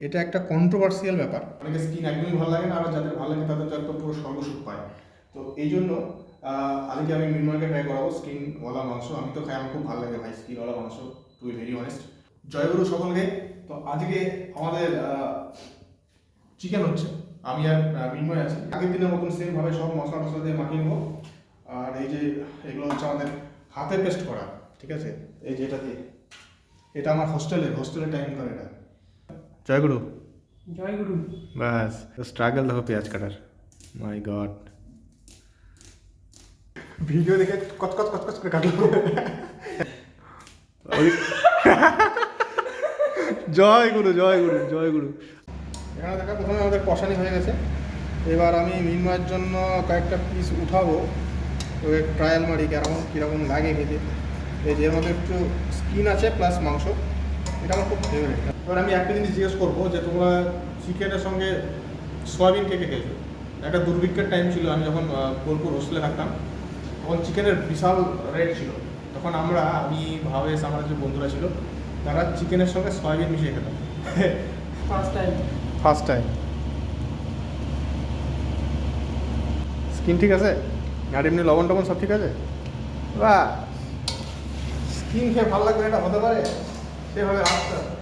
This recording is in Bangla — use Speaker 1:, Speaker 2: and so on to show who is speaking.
Speaker 1: এটা একটা কন্ট্রোভার্সিয়াল ব্যাপার। অনেকে স্কিন একদমই ভালো লাগে না, আর যাদের ভালো লাগে তাদের তো একদম পুরো সর্বসুখ পায়। তো এই জন্য আজকে আমি মিনময়কে ট্রাই করাবো স্কিনওয়ালা মাংস। আমি তো খাই, আমার খুব ভালো লাগে ভাই স্কিনওয়ালা মাংস, টু বি ভেরি অনেস্ট। জয়গুরু সকলকে। তো আজকে আমাদের চিকেন হচ্ছে, আমি আর মিনময় আছি। আগের দিনের মতন সেমভাবে সব মশলা টশলা দিয়ে মাখিয়ে নেবো। আর এই যে এগুলো হচ্ছে আমাদের হাতে পেস্ট করা, ঠিক আছে? এই যে এটা দিয়ে, এটা আমার হোস্টেলের টাইম করে এটা। জয়গুরু।
Speaker 2: জয়গুরু।
Speaker 1: বাস স্ট্রাগল দেখো পেঁয়াজ কাটার, মাই গড। ভিডিও দেখে কচকচ কচকচ করে কাটলো। জয়গুরু জয়গুরু জয়গুরু। এখানে দেখা প্রথমে আমাদের কষানি হয়ে গেছে। এবার আমি মিনময়ের জন্য কয়েকটা পিস উঠাবো, ওই ট্রায়াল মারি কীরকম লাগে খেতে। এই যে এর মধ্যে একটু স্কিন আছে প্লাস মাংস, এটা আমার খুব ফেভারিট। এবার আমি একটা জিনিস জিজ্ঞেস করবো যে তোমরা চিকেনের সঙ্গে সয়াবিন কে কে খেয়েছো? একটা দুর্ভিক্ষের টাইম ছিল, আমি যখন বোলপুর হোস্টেলে থাকতাম, তখন চিকেনের বিশাল রেট ছিল। তখন আমি ভাবেশ, আমার যে বন্ধুরা ছিল, তারা চিকেনের সঙ্গে সয়াবিন মিশিয়ে খেতাম। First time. স্কিন ঠিক আছে আর এমনি লবণ টবণ সব ঠিক আছে? বা স্কিন খেয়ে ভালো লাগবে, এটা হতে পারে সেভাবে আসতে